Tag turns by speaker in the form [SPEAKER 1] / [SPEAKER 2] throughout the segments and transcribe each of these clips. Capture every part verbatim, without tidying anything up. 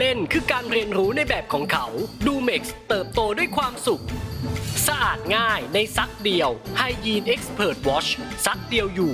[SPEAKER 1] ล่นคือการเรียนรู้ในแบบของเขา ดูเม็กซ์เติบโตด้วยความสุขสะอาดง่ายในซักเดียว Hygiene Expert Wash ซักเดียวอยู่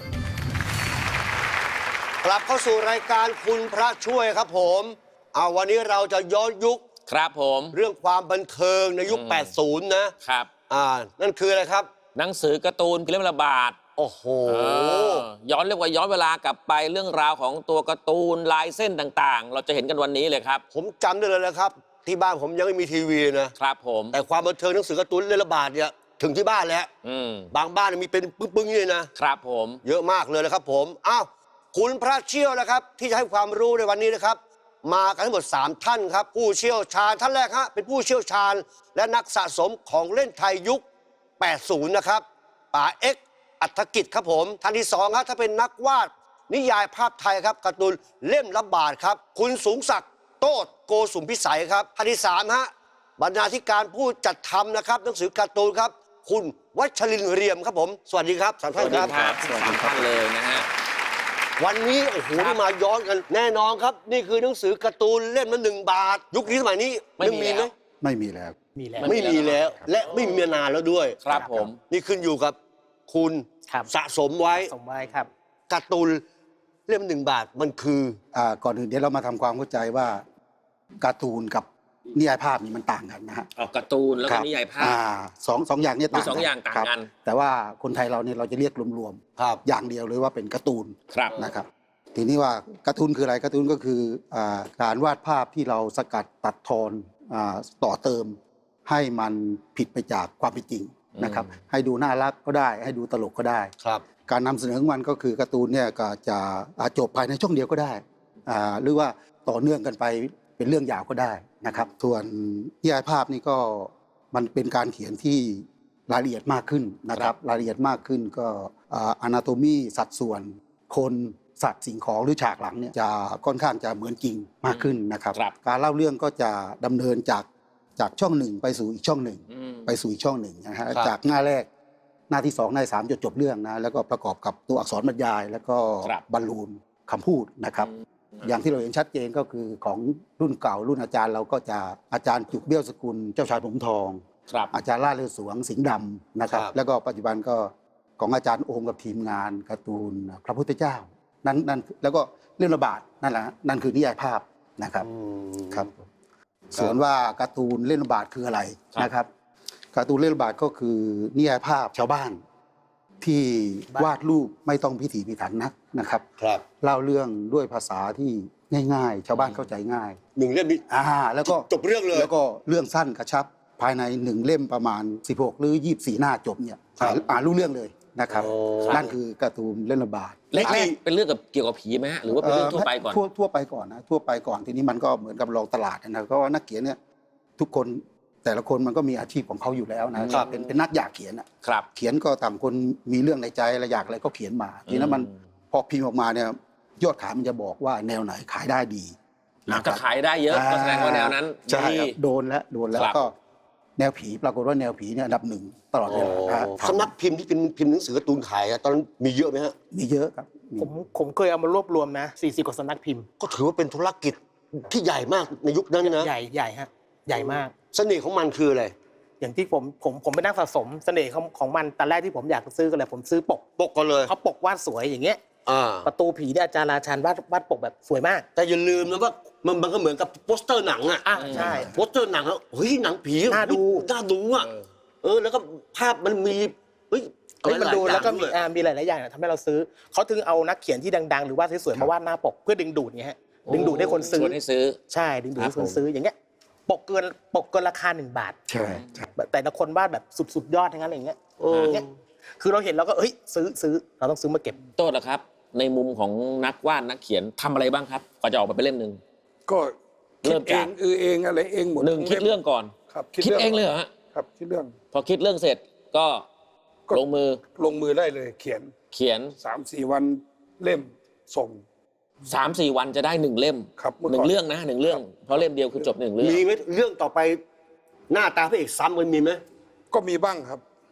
[SPEAKER 2] กลับเข้าสู่รายการคุณพระช่วยครับผมเอาวันนี้เราจะย้อนยุค
[SPEAKER 3] ครับผม
[SPEAKER 2] เรื่องความบันเทิงในยุค แปดสิบ นะครับอ่านั่นคืออะไรครับ
[SPEAKER 3] หนังสือการ์ตูนพิมพ์ระบาด
[SPEAKER 2] โอ้โห
[SPEAKER 3] ย้อนเรียกว่าย้อนเวลากลับไปเรื่องราวของตัวการ์ตูนลายเส้นต่างๆ เราจะเห็นกันวันนี้เลยครับ
[SPEAKER 2] ผมจำได้เลยนะครับที่บ้านผมยังไม่มีทีวีนะครับ
[SPEAKER 3] ผม
[SPEAKER 2] แต่ความบันเทิงหนังสือการ์ตูนเล่นระบาดเนี่ยถึงที่บ้านแล้วบางบ้านมีเป็นปึ้งๆเลยนะครับ
[SPEAKER 3] ผม
[SPEAKER 2] เยอะมากเลยนะครับผมอ้าวคุณพระเชี่ยวนะครับที่จะให้ความรู้ในวันนี้นะครับมากันทั้งหมดสามท่านครับผู้เชี่ยวชาญท่านแรกฮะเป็นผู้เชี่ยวชาญและนักสะสมของเล่นไทยยุค แปดสิบ นะครับป๋าเอ็กซ์อัฐกิจครับผมท่านที่สองครับถ้าเป็นนักวาดนิยายภาพไทยครับการ์ตูนเล่มละบาทครับคุณสูงศักดิ์โต้โกสุมพิสัยครับท่านที่สามฮะบรรณาธิการผู้จัดทำนะครับหนังสือการ์ตูนครับคุณวัชรินทร์เรียมครับผมสวัสดีครับสามท่านครับ
[SPEAKER 3] สวัสดีครับเลยนะฮะ
[SPEAKER 2] วันนี้โอ้โหได้มาย้อนกันแน่นอนครับนี่คือหนังสือการ์ตูนเล่มละหนึ่งบาทยุคนี้สมัยนี้ยังมีไหม
[SPEAKER 4] ไม่มีแล้ว
[SPEAKER 1] มีแล้ว
[SPEAKER 2] ไม่มีแล้วและไม่มีมานานแล้วด้วย
[SPEAKER 3] ครับผม
[SPEAKER 2] นี่ขึ้นอยู่กับคุณสะสมไว้
[SPEAKER 1] สมไว้ครับ
[SPEAKER 2] การ์ตูนเล่มหนึ่งบาทมันคือ
[SPEAKER 4] อ่าก่อนอื่นเดี๋ยวเรามาทำความเข้าใจว่าการ์ตูนกับนิยายภาพนี่มันต่างกันนะฮะ
[SPEAKER 3] ออกการ์ตูนแล้วก็นิยายภาพ
[SPEAKER 4] สองสองอย่างนี้ต่าง
[SPEAKER 3] สองอย่างต่างกัน
[SPEAKER 4] แต่ว่าคนไทยเราเนี่ยเราจะเรียกรวมๆอย่างเดียวเลยว่าเป็นการ์ตูนนะครับทีนี้ว่าการ์ตูนคืออะไรการ์ตูนก็คือการวาดภาพที่เราสกัดตัดทอนต่อเติมให้มันผิดไปจากความเป็นจริงนะครับให้ดูน่ารักก็ได้ให้ดูตลกก็ได้การนำเสนอของมันก็คือการ์ตูนเนี่ยก็จะจบภายในช่วงเดียวก็ได้หรือว่าต่อเนื่องกันไปเป็นเรื่องยาวก็ได้นะครับส่วนนิยายภาพนี่ก็มันเป็นการเขียนที่รายละเอียดมากขึ้นนะครับรายละเอียดมากขึ้นก็อนาโตมีสัดส่วนคนสัตว์สิ่งของหรือฉากหลังเนี่ยจะค่อนข้างจะเหมือนจริงมากขึ้นนะครับการเล่าเรื่องก็จะดำเนินจากจากช่องหนึ่งไปสู่อีกช่องหนึ่งไปสู่อีกช่องหนึ่งนะฮะจากหน้าแรกหน้าที่สองหน้าที่สามจนจบเรื่องนะแล้วก็ประกอบกับตัวอักษรบรรยายแล้วก็บรรลูนคำพูดนะครับอย่างที่เราเห็นชัดเจนก็คือของรุ่นเก่ารุ่นอาจารย์เราก็จะอาจารย์จุกเบี้ยวสกุลเจ้าชายผมทองอาจารย์ล่าเลือดสวงสิงห์ดำนะครับแล้วก็ปัจจุบันก็ของอาจารย์โอมกับทีมงานการ์ตูนพระพุทธเจ้านั่นนั่นแล้วก็เรื่องระบาดนั่นแหละนั่นคือนิยายภาพนะครับครับส่วนว่าการ์ตูนเล่นระบาดคืออะไรนะครับการ์ตูนเล่นระบาดก็คือนิยายภาพชาวบ้านที่วาดรูปไม่ต้องพิถีพิถันนักนะครับเล่าเรื่องด้วยภาษาที่ง่ายๆชาวบ้านเข้าใจง่าย
[SPEAKER 2] หนึ่งเล่มนี้
[SPEAKER 4] อ่าแล้วก็
[SPEAKER 2] จบเรื่องเลย
[SPEAKER 4] แล้วก็เรื่องสั้นกระชับภายในหนึ่งเล่มประมาณสิบหกหรือยี่สิบสี่หน้าจบเนี่ยอ่านรู้เรื่องเลยนะครับนั่นคือการ์ตูนเล่นระบาด
[SPEAKER 3] เล็กๆเป็นเรื่องกับเกี่ยวกับผีไหมฮะหรือว่าเป็นเรื่องทั่วไปก่อน
[SPEAKER 4] ทั่วทั่วไปก่อนนะทั่วไปก่อนทีนี้มันก็เหมือนกับลองตลาดนะเพราะว่านักเขียนเนี่ยทุกคนแต่ละคนมันก็มีอาชีพของเขาอยู่แล้วนะเป็นเป็นนักอยากเขียนอ่ะเขียนก็ต่างคนมีเรื่องในใจอะไรอยากอะไรก็เขียนมาทีนั้นมันพอพิมพ์ออกมาเนี่ยยอดขายมันจะบอกว่าแนวไหนขายได้ดี
[SPEAKER 3] จะขายได้เยอะก็แสดงว่าแนวนั้น
[SPEAKER 4] ใช่โดนแล้วโดนแล้วก็แนวผีปรากฏว่าแนวผีเนี่ยอันดับหนึ่งตลอดเวลา
[SPEAKER 2] สำนักพิมพ์ที่เป็นพิมพ์หนังสือการ์ตูนขายตอนนั้นมีเยอะไหมฮะ
[SPEAKER 4] มีเยอะครับ
[SPEAKER 1] ผมผมเคยเอามารวบรวมนะสี่สิบกว่าสำนักพิมพ์
[SPEAKER 2] ก็ถือว่าเป็นธุรกิจที่ใหญ่มากในยุคนั้นนะ
[SPEAKER 1] ใหญ่ใหญ่ฮะใหญ่มาก
[SPEAKER 2] เสน่ห์ของมันคืออะไร
[SPEAKER 1] อย่างที่ผมผมผมไปนั่งสะสมเสน่ห์ของของมันตอนแรกที่ผมอยากซื้อกันเลยผมซื้อปก
[SPEAKER 2] ปกก็เลย
[SPEAKER 1] เขาปกวาดสวยอย่างเงี้ยประตูผีเนี่ยอาจารย์ราชันวาดวาดปกแบบสวยมาก
[SPEAKER 2] แต่อย่าลืมนะว่ามันมันก็เหมือนกับโปสเตอร์หนังอ่ะ
[SPEAKER 1] ใช่
[SPEAKER 2] โปสเตอร์หนังแล้วเฮ้ยหนังผี
[SPEAKER 1] น่าดู
[SPEAKER 2] น่าดูอ่ะเออแล้วก็ภาพมันมีเฮ้ย
[SPEAKER 1] มันดูแล้วก็มีมีหลายๆอย่างทำให้เราซื้อเขาถึงเอานักเขียนที่ดังๆหรือว่าสวยๆมาวาดหน้าปกเพื่อดึงดูดเงี้ยดึงดูดให้คนซื้อ
[SPEAKER 3] ให้ซื้อ
[SPEAKER 1] ใช่ดึงดูดให้คนซื้ออย่างเงี้ยปกเกินปกเกินราคาหนึ่งบาท
[SPEAKER 4] ใช่
[SPEAKER 1] แต่ละคนวาดแบบสุดๆยอดทั้งนั้นอะไรเงี้ยคือเราเห็นเราก็เฮ้ยซื้อซื้อเราต้องซื้อมาเก็บ
[SPEAKER 3] โทษนะครับในมุมของนักวาดนักเขียนทำอะไรบ้างครับก่อนจะออกมาเป็นเล่มหนึ่ง
[SPEAKER 5] ก็เริ่มจากเออเองอะไรเองหมด
[SPEAKER 3] หนึ่งคิดเรื่องก่อน
[SPEAKER 5] ครับ
[SPEAKER 3] คิดเองเลยเหรอฮะ
[SPEAKER 5] ครับคิดเรื่อง
[SPEAKER 3] พอคิดเรื่องเสร็จก็ลงมือ
[SPEAKER 5] ลงมือได้เลยเขียน
[SPEAKER 3] เขียน
[SPEAKER 5] สามสี่วันเล่มส่ง
[SPEAKER 3] สามสี่วันจะได้หนึ่งเล่มหนึ่งเรื่องนะหนึ่งเรื่องเพราะเล่มเดียวคือจบหนึ่งเรื่อง
[SPEAKER 2] มีไหมเรื่องต่อไปหน้าตาพระเอกซ้ำมันมีไหม
[SPEAKER 5] ก็มีบ้างครับ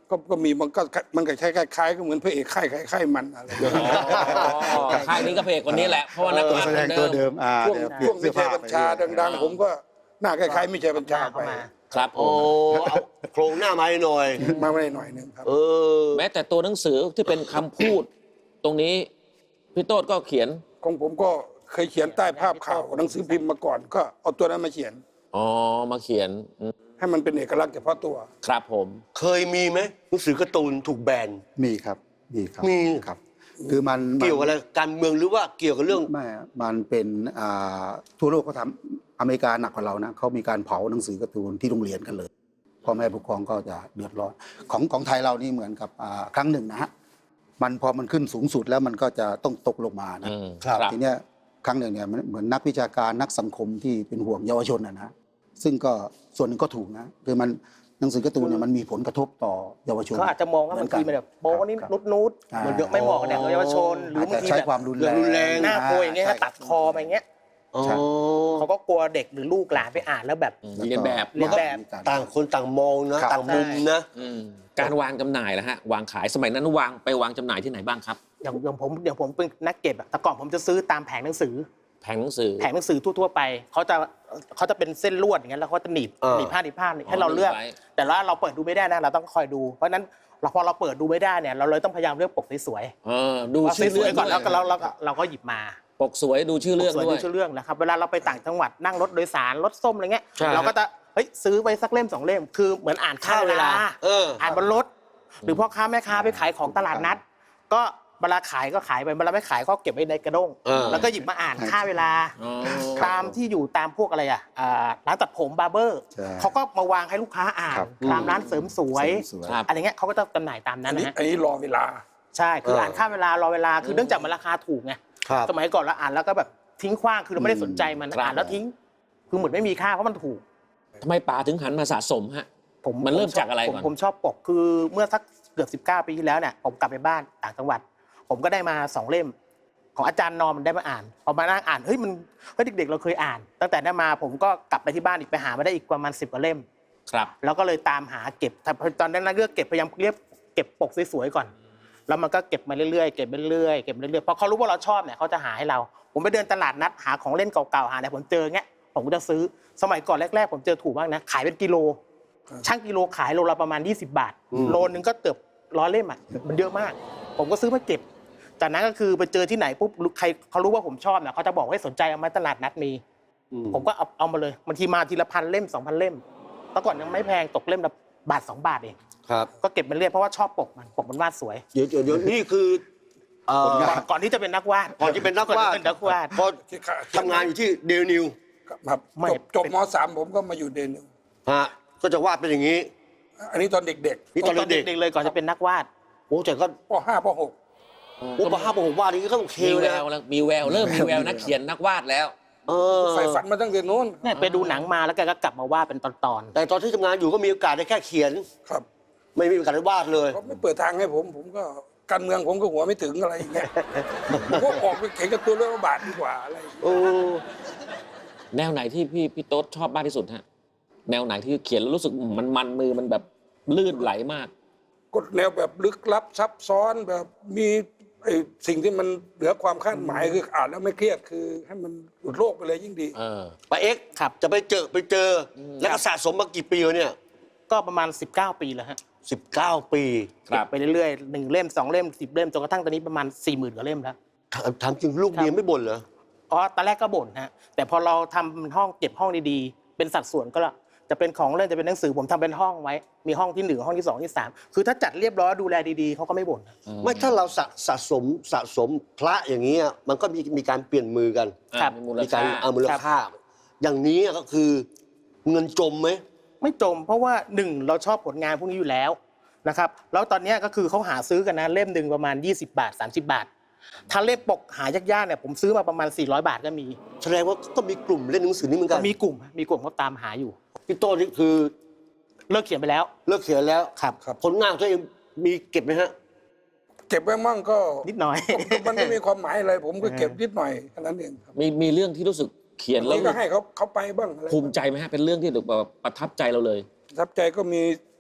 [SPEAKER 5] ก็ก็มีมันก็มันก็ใช้คล้ายๆก็เหมือนพระเอกค่ายค่ายๆมันอะไร
[SPEAKER 3] อ๋อค่ายนี้ก็เพลงคนนี้แหละเพราะว่านัก
[SPEAKER 4] ตัวแสดงตัวเดิมอ่า
[SPEAKER 5] ช่วง
[SPEAKER 4] เดี๋ยวเปลี่
[SPEAKER 5] ช่
[SPEAKER 4] ยว
[SPEAKER 5] ง
[SPEAKER 4] น
[SPEAKER 5] มิ
[SPEAKER 4] เสื้อ
[SPEAKER 5] ชั
[SPEAKER 4] ผ้าย ไป
[SPEAKER 5] บัญชาดัง
[SPEAKER 4] เรื่อย
[SPEAKER 5] ๆ ผมก็หน้าคล้ายๆมิชัยบัญชาไป
[SPEAKER 3] ครับผ
[SPEAKER 2] โอ้
[SPEAKER 3] ม
[SPEAKER 2] เอาโครงหน้ามาให้หน่อย
[SPEAKER 5] มาไม่ได้หน่อยหนึงครับ
[SPEAKER 2] เออ
[SPEAKER 3] แม้แต่ตัวหนังสือที่เป็นคำพูด ตรงนี้พี่โต้ก็เขียน
[SPEAKER 5] ของผมก็เคยเขียนใต้ภาพข่าวหนังสือพิมพ์มาก่อน ก็เอาตัวนั้นมาเขียน
[SPEAKER 3] อ๋อมาเขียนอืม
[SPEAKER 5] ให้มันเป็นเอกลักษณ์เฉพาะตัว
[SPEAKER 3] ครับผม
[SPEAKER 2] เคยมีไหมหนังสือการ์ตูนถูกแบน
[SPEAKER 4] มีครับมีครับ
[SPEAKER 2] มี
[SPEAKER 4] ครับ คือมัน
[SPEAKER 2] เกี่ยวกับอะไรการเมืองหรือว่าเกี่ยวกับเรื่อง
[SPEAKER 4] ไม่มันเป็นอ่าทั่วโลกเขาทำอเมริกาหนักกว่าเรานะเขามีการเผาหนังสือการ์ตูนที่โรงเรียนกันเลยพ่อแม่ผู้ปกครองก็จะเดือดร้อนของของไทยเรานี่เหมือนกับอ่าครั้งหนึ่งนะฮะมันพอมันขึ้นสูงสุดแล้วมันก็จะต้องตกลงมานะ
[SPEAKER 3] อืม
[SPEAKER 2] ครับ
[SPEAKER 4] ทีเนี้ยครั้งหนึ่งเนี่ยมันเหมือนนักวิชาการนักสังคมที่เป็นห่วงเยาวชนนะนะซึ่งก็ส่วนหนึ่งก็ถูกนะคือมันหนังสือการ์ตูนเนี่ยมันมีผลกระทบต่อเยาวชน
[SPEAKER 6] เขาอาจจะมองว่าบางทีมันแบบโป๊นี่
[SPEAKER 4] ครับ
[SPEAKER 6] นุดนุด
[SPEAKER 4] อ่า
[SPEAKER 6] มันเยอะไม่เหมาะกับเด็กเยาวชน หรือ
[SPEAKER 4] อาจ
[SPEAKER 6] บาง
[SPEAKER 4] จะ
[SPEAKER 6] ที
[SPEAKER 4] ใช้
[SPEAKER 6] แบบ
[SPEAKER 4] ความรุนแรง
[SPEAKER 2] รุนแรง
[SPEAKER 6] หน้ากลัวอย่างเงี้ย
[SPEAKER 4] ใช่
[SPEAKER 6] ตัดคอไปอย่างเงี้ย
[SPEAKER 2] อ๋อ
[SPEAKER 4] ใช่
[SPEAKER 6] เขาก็กลัวเด็กหรือลูกหลานไปอ่านแล้วแบบ
[SPEAKER 3] เรียนแบบ
[SPEAKER 6] เรียนแบบ
[SPEAKER 2] ต่างคนต่างมองนะ
[SPEAKER 4] ครับ
[SPEAKER 2] ต่างมุมนะ
[SPEAKER 3] อืมการวางจำหน่ายแล้วฮะวางขายสมัยนั้นวางไปวางจำหน่ายที่ไหนบ้างครับ
[SPEAKER 6] อย่างอย่างผมอย่างผมเป็นนักเก็บอะแต่ก่อนผมจะซื้อตามแผงหนังสือ
[SPEAKER 3] แผงหนังสือ
[SPEAKER 6] แผงหนังสือทั่วๆไปเขาจะเขาจะเป็นเส้นลวดอย่างเงี้ยแล้วเขาจะหนีบ
[SPEAKER 2] เออ
[SPEAKER 6] หนีบผ้าหนีบผ้าให้เราเลือก
[SPEAKER 3] หนีบไว้
[SPEAKER 6] แต่ว่าเราเปิดดูไม่ได้นะเราต้องคอยดูเพราะฉะนั้นเราพอเราเปิดดูไม่ได้เนี่ยเราเลยต้องพยายามเลือกปกสวย
[SPEAKER 3] เออดู
[SPEAKER 6] ๆว่า
[SPEAKER 3] ชื่อ
[SPEAKER 6] ส
[SPEAKER 3] เรื่
[SPEAKER 6] ว
[SPEAKER 3] อย ง
[SPEAKER 6] ๆก่อนแล้วก็
[SPEAKER 3] ด้
[SPEAKER 6] เรา
[SPEAKER 3] วย
[SPEAKER 6] เราก็เราก็หยิบมา
[SPEAKER 3] ปกสวยดูชื่อเรื่อง
[SPEAKER 6] สวย
[SPEAKER 3] ด้ว
[SPEAKER 6] ดู
[SPEAKER 3] ย
[SPEAKER 6] ชื่อเรื่องนะครับเวลาเราไปต่างจังหวัดนั่งรถโดยสารรถส้มอะไรเงี้ย
[SPEAKER 2] ใช่
[SPEAKER 6] เราก็จะเฮ้ยซื้อไปสักเล่มสองเล่มคือเหมือนอ่านค่าเวลา
[SPEAKER 2] เออ
[SPEAKER 6] อ่านบนรถ หรือพ่อค้าแม่ค้าไปขายของตลาดนัด ก็เวลาขายก็ขายไปเวลาไม่ขายก็เก็บไว้ในกระด้ง
[SPEAKER 2] เออ
[SPEAKER 6] แล้วก็หยิบมาอ่านค่าเวลา
[SPEAKER 3] อ๋อ
[SPEAKER 6] ตามที่อยู่ตามพวกอะไรอ่ะอ่าร้านตัดผมบาร์เบอร์
[SPEAKER 4] ใช่
[SPEAKER 6] เขาก็มาวางให้ลูกค้าอ่าน
[SPEAKER 4] ครับ
[SPEAKER 6] ตามร้านเสริมสวย
[SPEAKER 4] สวย
[SPEAKER 3] ครับ
[SPEAKER 6] อะไรเงี้ยเขาก็จะจำหน่ายตามนั้
[SPEAKER 5] อั
[SPEAKER 6] น
[SPEAKER 5] นนี้
[SPEAKER 6] นะฮะ
[SPEAKER 5] อันนี้รอเวลา
[SPEAKER 6] ใช่คือ
[SPEAKER 2] เอออ่
[SPEAKER 6] อ่านค่าเวลารอเวลาคือเนื่องจากมันราคาถูกไง
[SPEAKER 2] ครับ
[SPEAKER 6] สมัยก่อนเราอ่านแล้วก็แบบทิ้งขว้างคือเราไม่ได้สนใจมัน
[SPEAKER 3] ครับ
[SPEAKER 6] อ่านแล้วทิ้ง คือเหมือนไม่มีค่าเพราะมันถูก
[SPEAKER 3] ทำไมป๋าถึงหันมาสะสมฮะ
[SPEAKER 6] ผม
[SPEAKER 3] มันเริ่ม
[SPEAKER 6] ผชบ
[SPEAKER 3] จากอะไรก่อน
[SPEAKER 6] ผมผมชอบปกคือเมื่อสักเกือบสิบเก้าปีที่แล้วเนี่ยผมกลับไปบ้านต่างจังหวัด ผมก็ได้มาสองเล่ม ของอาจารย์นอมมันได้มาอ่านพอมานั่งอ่านเฮ้ยมันเฮ้ยเด็กๆเราเคยอ่าน ตั้งแต่นั้นมาผมก็กลับไปที่บ้านอีกไปหามาได้อีกประมาณสิบกว่าเล่ม
[SPEAKER 3] ครับ
[SPEAKER 6] แล้วก็เลยตามหาเก็บตอนนั้นเลือกเก็บพยายามเรียกเก็บปกสวยๆก่อน แล้วมันก็เก็บมาเรื่อยๆเก็บไปเรื่อยๆเก็บไปเรื่อยๆพอเขารู้ว่าเราชอบเนี่ยเขาจะหาให้เรา ผมไปเดินตลาดนัดหาของเล่นเก่าๆหาอะไรผมเจอเงี้ยผมก็จะซื้อสมัยก่อนแรกๆผมเจอถูกมากนะขายเป็นกิโลช่างกิโลขายโลละประมาณยี่สิบบาทโลนึงก็เกือบร้อยเล่มอ่ะมันเยอะมาก ผมก็ซื้อมาเก็บจากนั้นก็คือไปเจอที่ไหนปุ๊บใครเขารู้ว่าผมชอบเนี่ยเขาจะบอกให้สนใจเอามาตลาดนัดมีผมก็เอาเอามาเลยบางทีมาทีละพันเล่มสองพันเล่มแต่ก่อนยังไม่แพงตกเล่มละบาทสองบาทเอง
[SPEAKER 2] ครับ
[SPEAKER 6] ก็เก็บมาเรื่อยเพราะว่าชอบปกมันปกมันวาดสวย
[SPEAKER 2] เดี๋ยวเดี๋ยวเดี๋ยวนี่คือเอ่อ
[SPEAKER 6] ก่อนก่อนที่จะเป็นนักวาด
[SPEAKER 2] ก่อนที่เป็นนักวาด
[SPEAKER 6] ก่อนที่เป็นนักวาด
[SPEAKER 2] พอทำงานอยู่ที่เดลนิว
[SPEAKER 5] ครับ
[SPEAKER 6] ไม่
[SPEAKER 5] จบจบ
[SPEAKER 6] เป็น
[SPEAKER 5] มสามผมก็มาอยู่เดนหนึ่ง
[SPEAKER 2] ฮะก็จะวาดเป็นอย่างนี้
[SPEAKER 5] อันนี้ตอนเด็ก
[SPEAKER 2] นี่ตอนเด็ก
[SPEAKER 6] ๆเลยก่อนจะเป็นนักวาด
[SPEAKER 2] ๆโอ้แต่ก็
[SPEAKER 5] ๆปห้าปหก
[SPEAKER 2] โอ้ปะห้าปะหกวาดนี่ก็โอเค
[SPEAKER 3] มี
[SPEAKER 2] เล
[SPEAKER 3] แวย วแล้วมีแววเริ่มมีแววนักเขียนนักวาดแล้ว
[SPEAKER 2] เออ
[SPEAKER 5] ใฝ่ฝันมาตั้งแต่นู้น
[SPEAKER 6] เนี่ยไปดูหนังมาแล้วแกก็กลับมาวาดเป็นตอน
[SPEAKER 2] แต่ตอนที่ทำงานอยู่ก็มีโอกาสได้แค่เขียน
[SPEAKER 5] ครับ
[SPEAKER 2] ไม่มีโอกาสได้วาดเลย
[SPEAKER 5] เขาไม่เปิดทางให้ผม ผมก็การเมืองผมก็หัวไม่ถึงอะไรอย่างเงี้ยผมก็ออกไปเขียนการ์ตูนเรื่องบาทดีกว่าอะไรอย่างเงี้ย
[SPEAKER 2] โอ้
[SPEAKER 3] แนวไหนที่พี่พี่โต๊ดชอบมากที่สุดฮะแนวไหนที่เขียนแล้วรู้สึกมันมันมือมันแบบลื่นไหลมาก
[SPEAKER 5] กฎแนวแบบลึกลับซับซ้อนแบบมีไอ้สิ่งที่มันเหนือความคาดหมายคืออ่านแล้วไม่เครียดคือให้มันหลุดโลกไปเลยยิ่งดี
[SPEAKER 3] เออ
[SPEAKER 2] ปาเอ็กซ์
[SPEAKER 6] ๆครับ
[SPEAKER 2] จะไปเจอไปเจออแล้วก็สะสมมากี่ปีแล้วเนี่ย
[SPEAKER 6] ก็ประมาณสิบเก้าปีแล้วฮะ
[SPEAKER 2] สิบเก้าปี
[SPEAKER 3] ครับ
[SPEAKER 6] เก็ไปเรื่อยๆหนึ่งเล่มสองเล่มสิบเล่มจนกระทั่งตอนนี้ประมาณสี่หมื่นกว่าเล่มแล้ว
[SPEAKER 2] ถามถามจริงลูกเมียไม่บ่นเหรอ
[SPEAKER 6] อ๋อตอนแรกก็บ่นฮะแต่พอเราทำห้องเก็บห้องดีๆเป็นสัดส่วนก็ละจะเป็นของเล่นจะเป็นหนังสือผมทำเป็นห้องไว้ มีห้องที่หนึ่งห้องที่สองที่สามคือถ้าจัดเรียบร้อยดูแลดีๆเขาก็ไม่บ่น
[SPEAKER 2] ไม่ถ้าเราสะสะสมสะสมพระอย่างนี้อะมันก็มีมีการเปลี่ยนมือกัน
[SPEAKER 6] ครับ
[SPEAKER 3] มีมูล
[SPEAKER 2] มีกา
[SPEAKER 3] ค่าร
[SPEAKER 2] เอามูลค่า อย่างนี้ก็คือเงินจมไหม
[SPEAKER 6] ไม่จมเพราะว่าหนึ่งเราชอบผลงานพวกนี้อยู่แล้วนะครับแล้วตอนนี้ก็คือเขาหาซื้อกันนะเล่มหนึ่งประมาณยี่สิบบาทสามสิบบาท ถ้าเล่มปกหายากๆเนี่ยผมซื้อมาประมาณสี่ร้อยบาทก็มี
[SPEAKER 2] แสดงว่าก็มีกลุ่มเล่นหนังสือนี้เหมือนกัน
[SPEAKER 6] มีกลุ่มมีกลุ่มเขาตามหาอยู่
[SPEAKER 2] พี่โต้นี่คือ
[SPEAKER 6] เลิกเขียนไปแล้ว
[SPEAKER 2] เลิกเขียนแล้ว
[SPEAKER 6] ครับ
[SPEAKER 2] ผลงานของตัวเองมีเก็บไหมฮะ
[SPEAKER 5] เก็บไว้มั่งก็
[SPEAKER 6] นิดหน่อย
[SPEAKER 5] มันไม่มีความหมายอะไร ผมก็เก็บนิดหน่อยแค่นั้นเองครับ
[SPEAKER 3] มีมีเรื่องที่รู้สึกเขียน
[SPEAKER 5] อัน
[SPEAKER 3] แล้ว
[SPEAKER 5] นี้ก็ให้เขาเขาไปบ้างอะไร
[SPEAKER 3] ภูมิใจไหมฮะเป็นเรื่องที่แบบประทับใจเราเลย
[SPEAKER 5] ประทับใจก็มี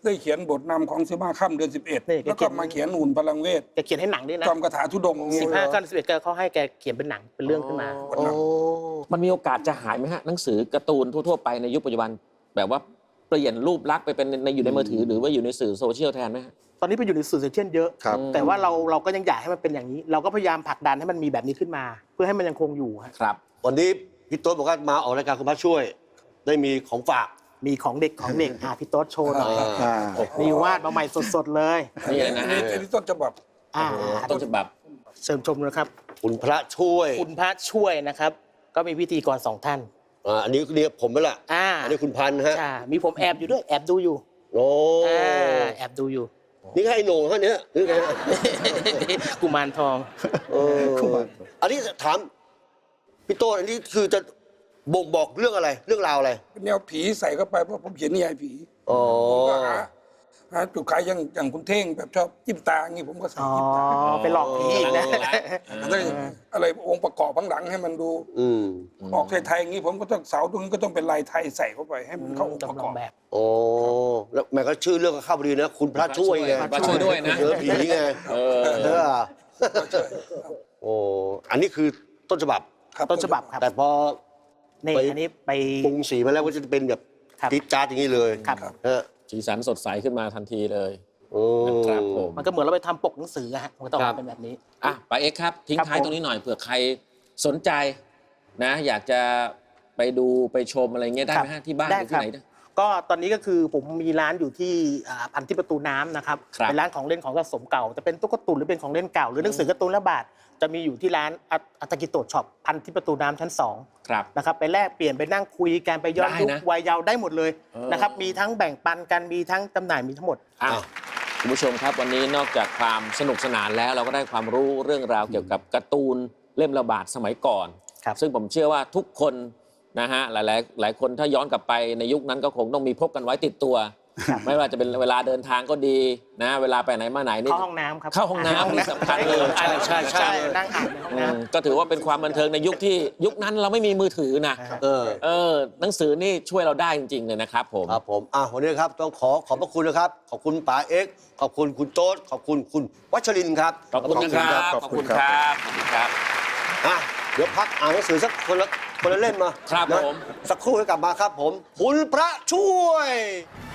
[SPEAKER 5] ได้เขียนบทนำของสิบห้าค่ำเดือนสิบเอ็ด
[SPEAKER 6] นี่แก
[SPEAKER 5] แล้วก็
[SPEAKER 6] เขียน
[SPEAKER 5] มาเขียนหุ่นพลังเวท
[SPEAKER 6] แกเขียนให้หนังด้วยนะ
[SPEAKER 5] จอมคาถาธุดงค์อย่างเงี้
[SPEAKER 6] สิ
[SPEAKER 5] ย
[SPEAKER 6] บห้าขั้นสิบเอ็ดเขาให้แกเขียนเป็นหนังเป็นเรื่องขึ้นมา
[SPEAKER 2] โอ้
[SPEAKER 3] มันมีโอกาสจะหายไหมฮะหนังสือการ์ตูนทั่วๆไปในยุคปัจจุบันแบบว่าเปลี่ยนรูปลักษณ์ไปเป็นในอยู่ในมือถือหรือว่าอยู่ในสื่อโซเชียลแทนไหมฮะ
[SPEAKER 6] ตอนนี้ไปอยู่ในสื่อโซเชียลเยอะ
[SPEAKER 4] ครับ
[SPEAKER 6] แต่ว่าเราเราก็ยังอยากให้มันเป็นอย่างนี้ เราก็พยายามผลักดันให้มันมีแบบนี้ขึ้นมา เพื่อให้มันยังคงอยู่ฮะ
[SPEAKER 3] ครับ
[SPEAKER 2] วันนี้พี่โต๊ดบอกว่ามาออกรายการคุณพระช่วย ได้มีของฝาก
[SPEAKER 6] มีของเด็กของเด็กอ่ะพี่โต๊ดโชว์หน่อย
[SPEAKER 4] อ่า
[SPEAKER 6] มีวาดมาใหม่สดๆเลย
[SPEAKER 3] นี่เลยนะ
[SPEAKER 5] อัน
[SPEAKER 3] ฮะ
[SPEAKER 5] นี้อันนี้ต้นฉบับ
[SPEAKER 6] อ่า
[SPEAKER 3] ต้นฉบับ
[SPEAKER 6] เชิญชมนะครับ
[SPEAKER 2] คุณพระช่วย
[SPEAKER 6] คุณพระช่วยนะครับ ก็มีพิธีกรสองท่าน
[SPEAKER 2] อ่าอันนี้นี่ผมนั่นแหละ
[SPEAKER 6] อ่า
[SPEAKER 2] อันนี้คุณพันธ์ฮะ
[SPEAKER 6] ใช่มีผมแอบอยู่ด้วยแอบดูอยู่
[SPEAKER 2] โอ้
[SPEAKER 6] อ่าแอบดูอยู่
[SPEAKER 2] นี่ก็ไอ้โหน่งเขาเนี่ยหรือไงฮะ
[SPEAKER 6] กุมารทอง
[SPEAKER 2] เอออันนี้ถามพี่โต้นอันนี้คือจะบ่งบอกเรื่องอะไร เรื่องราวอะไร
[SPEAKER 5] เป็นแนวผีใส่เข้าไปเพราะผมเขียนนิยายผี
[SPEAKER 2] อ๋อ
[SPEAKER 5] ผมก็หาหาจุดขายอย่างอย่างคุณเท่งแบบชอบจิ้มตาอย่างงี้ผมก็ใส่
[SPEAKER 6] อ๋อ
[SPEAKER 5] จิ้มตา
[SPEAKER 6] ไปหลอกผีอีกนะ
[SPEAKER 5] อะไรอะไรองค์ประกอบข้างหลังให้มันดู
[SPEAKER 2] อืม
[SPEAKER 5] ออกไทยๆอย่างงี้ผมก็ต้องเสาตรงนี้ก็ต้องเป็นลายไทยใส่เข้าไปให้มันเข้าองค์ประ
[SPEAKER 6] จำล
[SPEAKER 5] ก
[SPEAKER 6] อ
[SPEAKER 5] อง บ
[SPEAKER 6] แบบ
[SPEAKER 2] โอ้แล้วแม่ก็ชื่อเรื่องก็เข้าพอดีนะ คุณพระช่วยไง
[SPEAKER 3] พระช่วยด้วยนะ
[SPEAKER 2] เจอผีไง
[SPEAKER 3] เออ
[SPEAKER 2] เออโอ้อันนี้คือต้นฉบับ
[SPEAKER 5] ครับ
[SPEAKER 6] ต้นฉบับครับ
[SPEAKER 2] แต่พอ
[SPEAKER 6] นี่
[SPEAKER 2] ไป
[SPEAKER 6] อันนี้ไป
[SPEAKER 2] ปรุงสีมาแล้วก็จะเป็นแบบ
[SPEAKER 6] ครับ
[SPEAKER 2] ติ๊ดจ๊าดอย่างนี้เลย
[SPEAKER 6] ครับ
[SPEAKER 2] ฮะ
[SPEAKER 3] สีสันสดใสขึ้นมาทันทีเลย
[SPEAKER 2] โอ้
[SPEAKER 3] นะครับผม
[SPEAKER 6] มันก็เหมือนเราไปทำปกหนังสืออะฮะมันก็ต้อง
[SPEAKER 2] ครับ
[SPEAKER 6] เป็นแบบนี้
[SPEAKER 3] อ่ะปาเอ็กซ์ครับ ทิ้ง
[SPEAKER 6] ครับ
[SPEAKER 3] ท้าย
[SPEAKER 6] ผม
[SPEAKER 3] ตรงนี้หน่อยเผื่อใครสนใจนะ อยากจะไปดูไปชมอะไรเงี้ยได้ไหมฮะที่บ้านห
[SPEAKER 6] ได้
[SPEAKER 3] รือ
[SPEAKER 6] ค
[SPEAKER 3] ที่
[SPEAKER 6] รับ
[SPEAKER 3] ไหนได้
[SPEAKER 6] ก็ตอนนี้ก็คือผมมีร้านอยู่ที่อ่าพันที่ประตูน้ำนะครับ
[SPEAKER 3] ครับ
[SPEAKER 6] เป็นร้านของเล่นของสะสมเก่าจะเป็นตุ๊กตาตุนหรือเป็นของเล่นเก่าหรือหนังสือการ์ตูนละบาทจะมีอยู่ที่ร้านอัตอัตกิโตะช็อปพันที่ประตูน้ำชั้นสอง
[SPEAKER 3] ครับ
[SPEAKER 6] นะครับไปแลกเปลี่ยนไปนั่งคุยกันไปย้อน
[SPEAKER 3] ได้
[SPEAKER 6] ยุค
[SPEAKER 3] นะ
[SPEAKER 6] วัยเยาว์ได้หมดเลย
[SPEAKER 3] เออ
[SPEAKER 6] นะครับมีทั้งแบ่งปันกันมีทั้งจำหน่ายมีทั้งหมด
[SPEAKER 3] อ่ะคุณผู้ชมครับวันนี้นอกจากความสนุกสนานแล้วเราก็ได้ความรู้เรื่องราวเกี่ยวกับการ์ตูนเล่มระบาดสมัยก่อน
[SPEAKER 6] ครับ
[SPEAKER 3] ซึ่งผมเชื่อว่าทุกคนนะฮะหลายๆหลายคนถ้าย้อนกลับไปในยุคนั้นก็คงต้องมีพกกันไว้ติดตัว ไม่ว่าจะเป็นเวลาเดินทางก็ดีนะเวลาไปไหนมาไหนนี่
[SPEAKER 6] เข้าห้องน้ำครับ
[SPEAKER 3] เข้าห้องน้ำนี่สำคัญเลย
[SPEAKER 6] ใช่ใช่ใช่นั่งอ่านในห้อง
[SPEAKER 3] อื
[SPEAKER 6] น้
[SPEAKER 3] มก็ถือว่าเป็นความบันเทิงในยุคที่ยุคนั้นเราไม่มีมือถือนะ
[SPEAKER 2] เออ
[SPEAKER 3] เออหนังสือนี่ช่วยเราได้จริงๆเลยนะครับผม
[SPEAKER 2] ครับผมอ่ะวันนี้ครับต้องขอขอบพระคุณนะครับ ขอบคุณป๋าเอ็กซ์ขอบคุณคุณโต๊ดขอบคุณคุณวัชรินทร์ครับ
[SPEAKER 3] ขอบคุณนะครับ
[SPEAKER 4] ขอบ
[SPEAKER 3] ขอบ
[SPEAKER 4] คุ
[SPEAKER 3] คุณ
[SPEAKER 4] ณ
[SPEAKER 3] ค
[SPEAKER 4] ครั
[SPEAKER 3] รับ บขอบคุณครับ
[SPEAKER 2] อ่ะเดี๋ยวพักอ่านหนังสือสักคนละคนละเล่มมา
[SPEAKER 3] ครับ
[SPEAKER 2] นะ
[SPEAKER 3] ผม
[SPEAKER 2] สักครู่ให้กลับมาครับผม คุณพระช่วย